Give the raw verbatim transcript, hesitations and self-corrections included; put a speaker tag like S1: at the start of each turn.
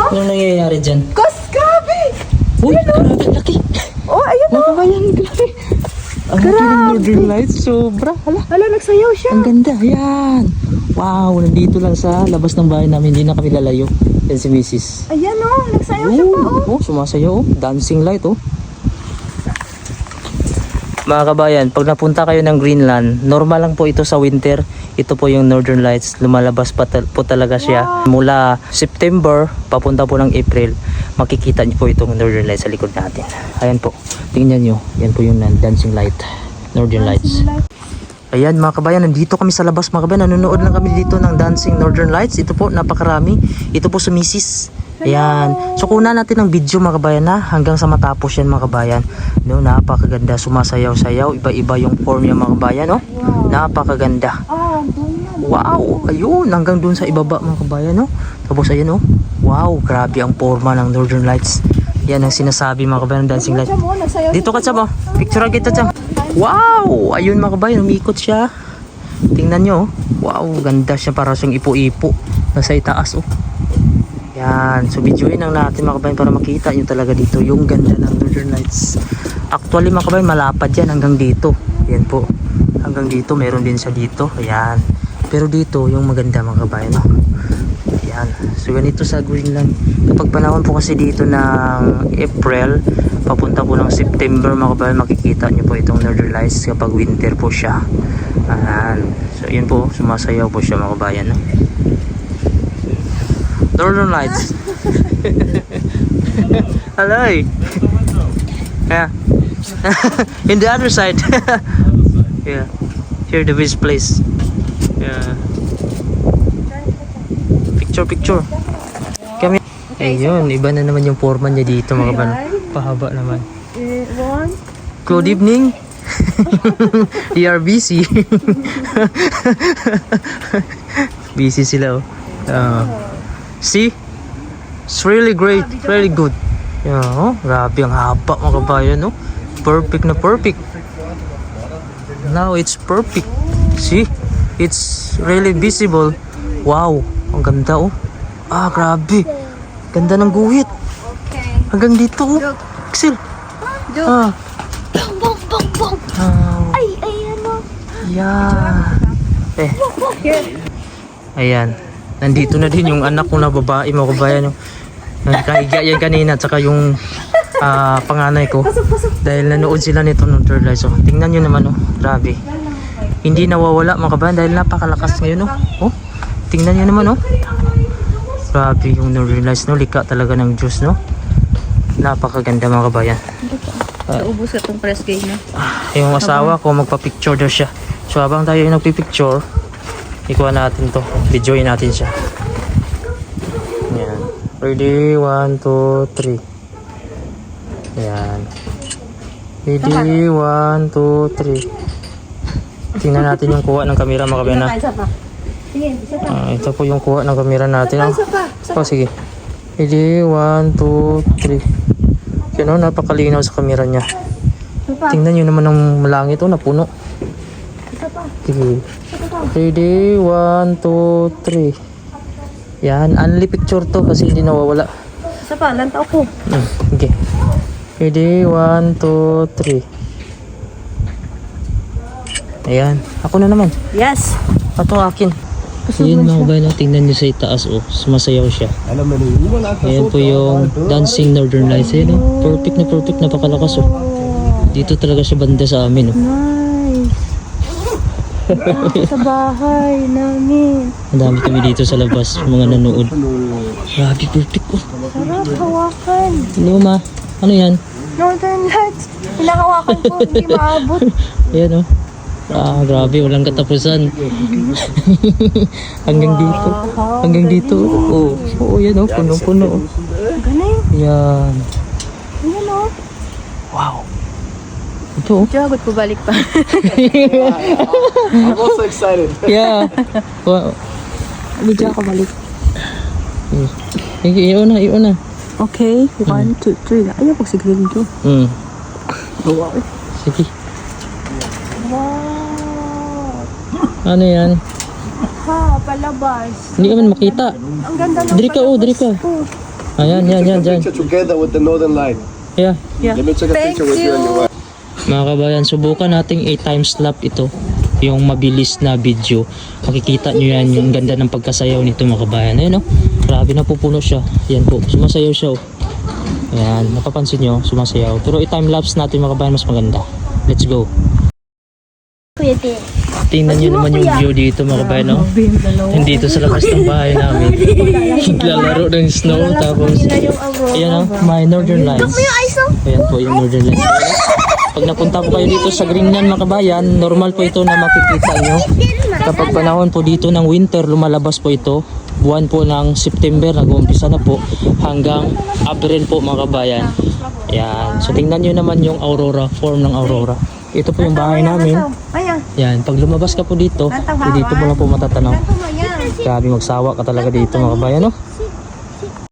S1: Anong nangyayari dyan?
S2: Gus, grabe!
S1: Uy, grabe, laki.
S2: Oh, ayun
S1: Mga kabayan, grabe. Ang laki ng Northern Lights, sobra. Hala,
S2: Hala, nagsayaw siya.
S1: ang ganda, ayan. Wow, nandito lang sa labas ng bahay namin, hindi na kami lalayo. Yan si Missus
S2: Ayan oh, nagsayaw siya pa oh.
S1: Oh, sumasayaw oh. Dancing light oh. Mga kabayan, pag napunta kayo ng Greenland, normal lang po ito sa winter. Ito po yung Northern Lights. Lumalabas pa tal- po talaga siya.
S2: Wow.
S1: Mula September, papunta po ng April, makikita niyo po itong Northern Lights sa likod natin. Ayan po, tingnan nyo. Yan po yung dancing light. Northern Lights. Ayan mga kabayan, nandito kami sa labas mga kabayan. Nanonood lang kami dito ng Dancing Northern Lights. Ito po, napakarami. Ito po sa Missus Ayan. So kuna natin ng video mga kabayan na hanggang sa matapos yan mga kabayan. No, napakaganda. Sumasayaw-sayaw. Iba-iba yung form niya mga kabayan. No?
S2: Wow.
S1: Napakaganda.
S2: Ah, doon na.
S1: Wow. Ayun. Hanggang dun sa ibaba mga kabayan. No? Tapos ayan oh. Wow. Grabe ang forma ng Northern Lights. Yan ang sinasabi mga kabayan ng Dancing Lights.
S2: Mo, nagsayaw
S1: Dito ka tsaba. Picture kita tsaba. Wow! Ayun mga kabayan, umikot siya. Tingnan nyo. Wow, ganda siya. Para siyang ipo-ipo. Nasa itaas oh. Yan. So videoin lang natin mga kabayan para makita nyo talaga dito yung ganda ng Northern Lights. Actually mga kabayan, malapad yan hanggang dito. Yan po. Hanggang dito, meron din siya dito. Ayan. Pero dito, yung maganda mga kabayan oh. Ayan. So ganito sa Greenland. Kapag panahon po kasi dito ng April, papunta po ng September mga kabayan, makikita nyo po itong Northern Lights kapag winter po siya. Ayan. So yun po, sumasayaw po siya mga kabayan. No? Northern Lights. Hello. Yeah. In the other side. Yeah. Here the beach place. Yeah. Picture, picture. Kami. Ayun, iba na naman yung forma niya dito mga kabayan. Pahaba naman.
S2: Eh, one.
S1: Good evening. You are busy. Busy sila oh. Uh, see? It's really great. Really good. Yeah, oh, grabe ang haba mga kabayan oh. Perfect na perfect. Now it's perfect. See? It's really visible. Wow, ang ganda oh. Ah, grabe. Ganda ng guhit.
S2: Okay.
S1: Hanggang dito oh. Axel.
S2: Joke.
S1: Ah.
S2: Bong, bong, bong, bong.
S1: Ah.
S2: Ay, ay, ano?
S1: Yeah. Eh.
S2: Here.
S1: Ayan. Nandito na din yung anak ko na babae mga kabayan. Yung nakahiga yan kanina at saka yung ah, panganay ko.
S2: Pasok, pasok.
S1: Dahil nanood sila nito ng Third Light. So tingnan nyo naman oh. Grabe. Hindi nawawala mga kabayan dahil napakalakas ngayon oh. Oh. Tingnan nyo naman oh. Grabe yung Northern Lights no. Lika talaga ng Diyos no. Napakaganda mga kabayan.
S2: Naubos ka tong press gate na.
S1: Yung asawa ko magpa-picture daw siya. So habang tayo yung nagpi-picture, ikuha natin to. Videoin natin siya. Ayan. Ready? One, two, three. Ayan. Ready? One, two, three. Tingnan natin yung kuha ng kamera mga kabayan.
S2: Isa pa. Sige, isa pa.
S1: Ah, ito po yung kuha ng kamera natin. Oh.
S2: Isa pa. Isa pa.
S1: Oh, sige. Ready? One, two, three. Yan oh, napakalinaw sa kamera niya.
S2: Isa pa.
S1: Tingnan nyo naman ng malangit oh, napuno.
S2: Isa pa.
S1: Sige.
S2: Isa pa.
S1: Ready? One, two, three. Yan. Only picture to kasi hindi nawawala.
S2: Isa pa. Lantaw ko.
S1: Hmm. Okay. Ready? One, two, three. Ayan. Ako na naman.
S2: Yes.
S1: Ito akin. Ayan mga kabayan, tingnan nyo sa itaas oh. Sumasayaw siya. Ayan po yung Dancing Northern Lights. Ayan oh. Perfect na perfect. Napakalakas oh. Dito talaga siya banda sa amin oh.
S2: Nice. Sa bahay namin.
S1: Ang dami kami dito sa labas. Mga nanood. Grabe perfect oh.
S2: Sarap hawakan.
S1: Hello ma. Ano yan?
S2: Northern Lights. Hinahawakan ko. Hindi maabot.
S1: Ayan oh. Ah, grabe, walang katapusan. Hanggang dito. Hanggang dito. Oo, oh, oh, yan oh, punong-puno. Oh.
S2: Galing.
S1: Yan.
S2: Ayan o.
S1: Wow. Ito oh.
S2: Jagot ko balik pa.
S3: I'm also excited.
S1: Yeah. Wow.
S2: Medyo ako balik.
S1: Sige, iyon na, iyon na.
S2: Okay. One, two, three. Ayaw ko siguro dito.
S1: Hmm. Sige.
S2: Wow.
S1: Ano yan?
S2: Ha, palabas.
S1: Hindi ka man makita.
S2: Ang ganda ng
S1: Diri ka, oh, diri ka.
S2: Oh.
S1: Ayan, yan, yan, dyan.
S3: Picture together with the northern light.
S1: Yeah.
S3: Let me take a
S2: Thank
S3: picture with you and your wife.
S1: Mga kabayan, subukan nating eight times lap ito. Yung mabilis na video. Makikita nyo yan, yung ganda ng pagkasayaw nito mga kabayan. Ayan o, grabe na pupuno siya. Yan po, sumasayaw siya o. Ayan, napapansin nyo, sumasayaw. Pero i-time lapse natin mga kabayan, mas maganda. Let's go.
S2: Kuya T.
S1: Tingnan nyo naman yung view dito mga kabayan, no? Hindi ito sa labas ng bahay namin. Naglalaro ng snow, tapos ayan o, may northern lights. Ayan po yung northern lights. Pag napunta po kayo dito sa Greenland mga kabayan, normal po ito na makikita nyo. Kapag panahon po dito ng winter, lumalabas po ito. Buwan po ng September, nag-uumpisa na po hanggang April po mga kabayan. Ayan, so tingnan nyo naman yung aurora, form ng aurora. Ito po yung bahay namin.
S2: Ayan.
S1: Yan, pag lumabas ka po dito, eh, dito mo lang po matatanaw.
S2: Ayan.
S1: Grabe magsawa ka talaga dito mga kabayan, no?